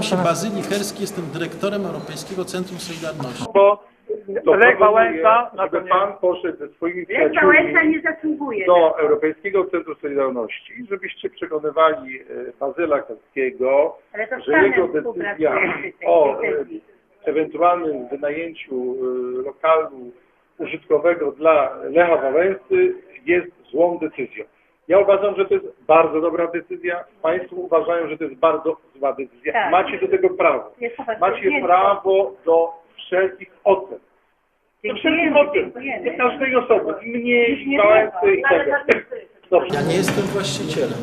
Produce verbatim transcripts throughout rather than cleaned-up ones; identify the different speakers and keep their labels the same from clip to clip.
Speaker 1: Nazywam się Bazylii Herski, jestem dyrektorem Europejskiego Centrum Solidarności.
Speaker 2: Bo
Speaker 3: To
Speaker 2: Lech
Speaker 3: proponuję,
Speaker 2: Wałęsa na to
Speaker 3: żeby
Speaker 2: nie...
Speaker 3: pan poszedł ze swoimi
Speaker 4: Lech Wałęsa
Speaker 3: przyjaciółmi
Speaker 4: nie zasługuje.
Speaker 3: do Europejskiego Centrum Solidarności, żebyście przekonywali e, Bazyla Herskiego,
Speaker 4: Ale to z
Speaker 3: że
Speaker 4: panem
Speaker 3: jego decyzja
Speaker 4: współpracuje przy tej
Speaker 3: o e,
Speaker 4: decyzji.
Speaker 3: ewentualnym wynajęciu e, lokalu użytkowego dla Lecha Wałęsy jest złą decyzją. Ja uważam, że to jest bardzo dobra decyzja. Państwo uważają, że to jest bardzo zła decyzja.
Speaker 4: Tak.
Speaker 3: Macie do tego prawo.
Speaker 4: Jest po prostu
Speaker 3: Macie
Speaker 4: nie-
Speaker 3: prawo do wszelkich ocen. Do wszelkich
Speaker 4: Dziękujemy,
Speaker 3: ocen.
Speaker 4: dziękujemy.
Speaker 3: Do każdej osoby. I mnie,
Speaker 4: Już
Speaker 3: i
Speaker 4: nie
Speaker 3: Wałęsy, i
Speaker 4: wolno,
Speaker 3: tak
Speaker 4: ale
Speaker 3: dalej. Dobrze.
Speaker 1: Ja nie jestem właścicielem.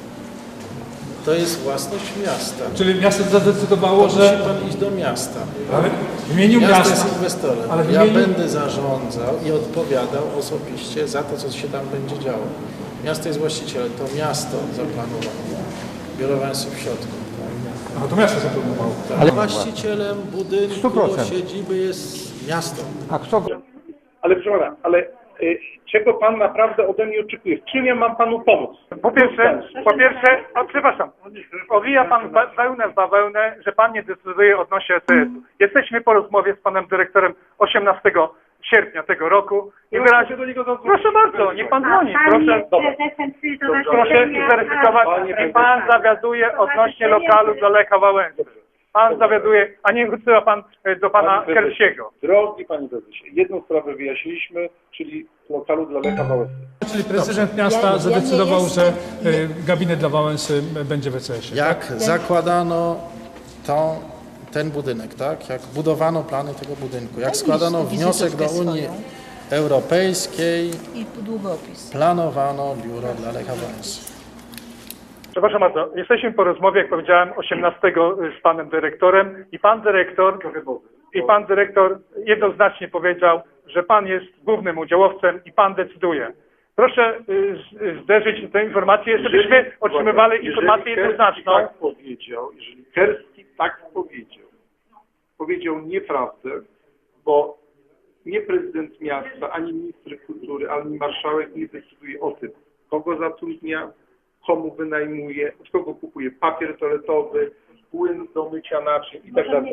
Speaker 1: To jest własność miasta.
Speaker 5: Czyli miasto zadecydowało,
Speaker 1: Musi
Speaker 5: że
Speaker 1: pan iść do miasta.
Speaker 5: ale w imieniu
Speaker 1: Miasto
Speaker 5: miasta,
Speaker 1: jest inwestorem.
Speaker 5: ale w
Speaker 1: Ja
Speaker 5: imieniu-
Speaker 1: będę zarządzał i odpowiadał osobiście za to, co się tam będzie działo. Miasto jest właścicielem, to miasto zaplanowało. Biuro Wałęsy w środku.
Speaker 5: no to miasto zaplanowało.
Speaker 1: Ale właścicielem budynku,
Speaker 6: sto procent.
Speaker 1: siedziby jest miasto.
Speaker 6: A kto go...
Speaker 3: Ale proszę pana, ale y, czego pan naprawdę ode mnie oczekuje? W czym ja mam panu pomóc?
Speaker 2: Po pierwsze, po pierwsze, o, przepraszam, owija pan ba- wełnę w bawełnę, że pan nie decyduje odnośnie E T S-u. Jesteśmy po rozmowie z panem dyrektorem osiemnastego sierpnia tego roku i
Speaker 3: Ja
Speaker 2: wyraźnie...
Speaker 3: muszę do niego zadzwonić.
Speaker 2: Proszę bardzo, niech pan
Speaker 4: A
Speaker 2: dzwoni,
Speaker 4: pan
Speaker 2: proszę.
Speaker 4: jest prezesem
Speaker 3: Dobrze.
Speaker 2: Proszę zweryfikować,
Speaker 3: Panie
Speaker 2: i pan zawiaduje odnośnie lokalu dla Lecha Wałęsy. Pan zawiaduje, a nie wysyła pan e, do pana
Speaker 3: Panie prezesie,
Speaker 2: Kersiego.
Speaker 3: Drogi panie prezesie, jedną sprawę wyjaśniliśmy, czyli lokalu dla Lecha Wałęsy.
Speaker 5: Czyli prezydent miasta
Speaker 7: Ja- ja nie
Speaker 5: zadecydował,
Speaker 7: jestem-
Speaker 5: że y, gabinet dla Wałęsy będzie w E C S ie.
Speaker 1: Jak zakładano tą, ten budynek, tak? Jak budowano plany tego budynku, jak składano wniosek do Unii Europejskiej,
Speaker 7: I długopis.
Speaker 1: planowano biuro dla Lecha Wałęsy.
Speaker 2: Przepraszam bardzo, jesteśmy po rozmowie, jak powiedziałem, osiemnastego z panem dyrektorem i pan dyrektor i pan dyrektor jednoznacznie powiedział, że pan jest głównym udziałowcem i pan decyduje. Proszę y, z- zderzyć tę informację, żebyśmy otrzymywali
Speaker 3: Jeżeli
Speaker 2: informację
Speaker 3: Kerski
Speaker 2: jednoznaczną.
Speaker 3: tak powiedział, jeżeli Kerski tak powiedział, powiedział nieprawdę, bo nie prezydent miasta, ani minister kultury, ani marszałek nie decyduje o tym, kogo zatrudnia, komu wynajmuje, od kogo kupuje papier toaletowy, płyn do mycia naczyń i tak dalej.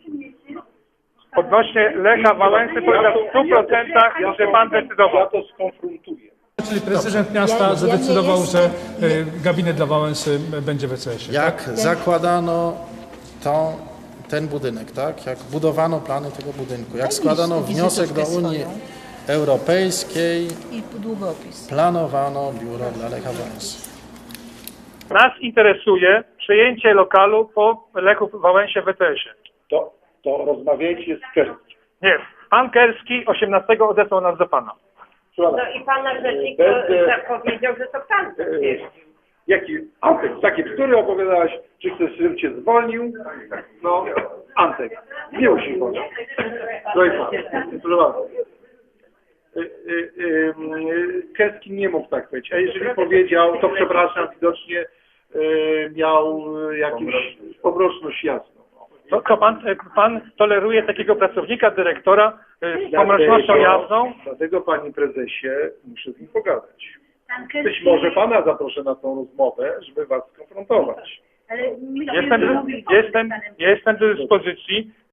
Speaker 2: Odnośnie Lecha Wałęsy powiedział w stu procentach, że pan
Speaker 3: Ja
Speaker 2: decydował.
Speaker 3: to skonfrontuję.
Speaker 5: Czyli prezydent miasta
Speaker 7: Ja- ja nie
Speaker 5: zadecydował,
Speaker 7: jestem-
Speaker 5: że y, gabinet dla Wałęsy będzie w E C S ie.
Speaker 1: Jak zakładano tą, ten budynek, tak? Jak budowano plany tego budynku, jak składano
Speaker 7: wizytówkę
Speaker 1: wniosek do Unii
Speaker 7: swoją.
Speaker 1: Europejskiej,
Speaker 7: I długopis.
Speaker 1: planowano biuro dla Lecha Wałęsy.
Speaker 2: Nas interesuje przejęcie lokalu po Lechu Wałęsie w E T S ie.
Speaker 3: To, to rozmawiajcie z Kerskim.
Speaker 2: Nie, pan Kerski osiemnastego odesłał nas do pana.
Speaker 3: Słuchaj,
Speaker 4: No i pan rzecznik
Speaker 3: Będę-
Speaker 4: powiedział, że to pan to
Speaker 3: e,
Speaker 4: jest.
Speaker 3: Jaki, Antek, takie bzdury opowiadałaś, czy chcesz, żebym cię zwolnił? No, Antek, nie musi chodzić. Proszę bardzo. Y, y, y, y, Keski nie mógł tak powiedzieć, a jeżeli powiedział, to przepraszam, widocznie y, miał y, jakąś pomroczność jasną.
Speaker 2: To, to pan, e, pan toleruje takiego pracownika, dyrektora e, z pomrocznością jasną?
Speaker 3: Dlatego, panie prezesie, muszę z nim pogadać.
Speaker 4: Pan
Speaker 3: Być
Speaker 4: Kerski-
Speaker 3: może pana zaproszę na tą rozmowę, żeby was skonfrontować.
Speaker 4: Ale my
Speaker 2: Jestem,
Speaker 4: się mówili z
Speaker 2: jestem,
Speaker 4: panem
Speaker 2: jestem do dyspozycji.